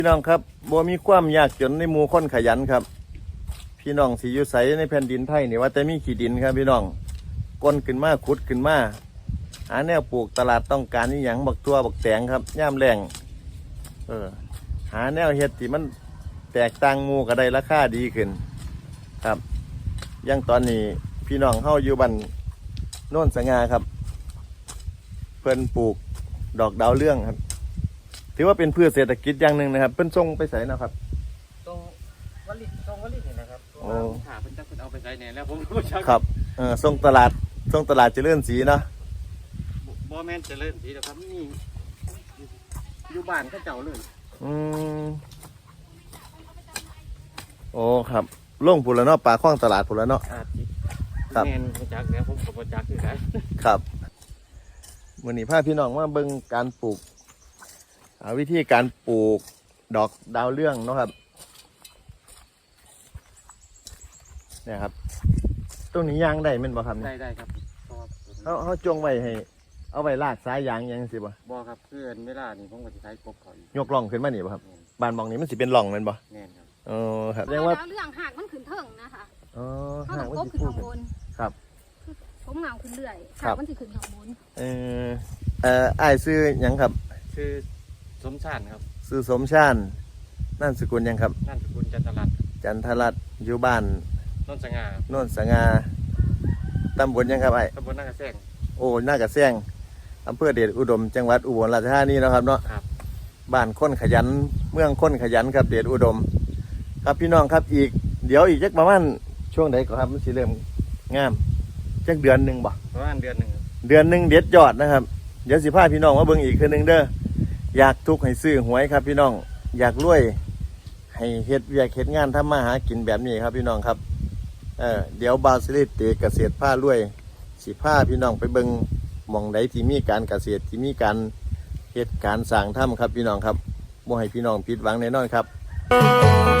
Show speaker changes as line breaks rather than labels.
พี่น้องครับบ่มีความยากจนในหมู่คนขยันครับพี่น้องสิอยู่ไสในแผ่นดินไทยนี่ว่าแต่มีขี้ดินครับพี่น้องก้นขึ้นมาขุดขึ้นมาหาแนวปลูกตลาดต้องการนี่หยังบักตัวบักแตงครับย่ามแรงหาแนวเฮ็ดที่มันแตกต่างหมู่ก็ได้ราคาดีขึ้นครับอย่างตอนนี้พี่น้องเฮาอยู่บ้านโน่นสง่าครับเพิ่นปลูกดอกดาวเรื่องครับถือว่าเป็นพืชเศรษฐกิจอย่างหนึ่งนะครับเพิ่นส่งไปใส่นะครับ
ตรงวัลินี่นะครับขาเป็นจักรเอาไปใส่เนี่ยแล้วผมก็ชัก
ครับส่งตลาดเจริญศรีเนาะ
บ่แม่นเจริญศรีนะครับนี่อยู่บ้านก็เจ้าเลย
โอ้ครับล่งผุนแล้วเนาะปลาคล้องตลาดผุนแล้วเนาะ
ครับแม่นจักแล้วผมก็บ่จักคือกัน
ครับมื้อนี้พาพี่น้องมาเบิ่งการปลูกวิธีการปลูกดอกดาวเรื่องเนาะครับเนี่ยครับตรงนี้ยางได้แม่นบ่ครับ
ได้ครับ
เขาจงไว้ให้เอาไว้ลากสายยางยังสิบ่
ครับเพื่อนเวลานี่ผมก็สิใช้กบเขา
ยกล่องขึ้นมานี่บ่ครับบ้านมองนี้มันสิเป็นล่องแม่นบ่
แม่นครับ
ครับเรียกว่า
ดาวเรื่องหากมันขึ้นเทิงนะคะ
หาก
มันสิขึ้นข้างบน
ครับ
ผมเงาขึ้นเรื่อยหากมันสิขึ้นข้างบน
อ้ายซื้อหยังครับ
ชื่อสมชาติครับ
ซื้อสมชาตินั่นสกุลยังครับ
นั่นสกุลจันทรัตน์
อยู่บ้าน
โน่นส
ง่าตำบลยังครับ
ตำบลนากระแซง
นากระแซงอำเภอเดชอุดมจังหวัดอุบลราชธานีนะครับเนาะบ้านคนขยันเมืองคนขยันครับเดชอุดมครับพี่น้องครับเดี๋ยวอีกจักประมาณช่วงไหนก็ครับมันสิเริ่มงามจักเดือนหนึ่งบ่
ประมาณเดือนหนึ่ง
เด็ดยอดนะครับเดี๋ยวสิพาพี่น้องมาเบิ่งอีกคืนหนึ่งเด้ออยากทุกข์ให้ซื้อหวยครับพี่น้องอยากรวยให้เฮ็ดเวียกเฮ็ดงานทำมาหากินแบบนี้ครับพี่น้องครับเดี๋ยวบาซิลิเตเกษตรผ้ารวยสิพาพี่น้องไปเบิ่งหม่องใดที่มีการเกษตรที่มีการเฮ็ดการสร้างถ้ำครับพี่น้องครับบ่ให้พี่น้องผิดหวังแน่นอนครับ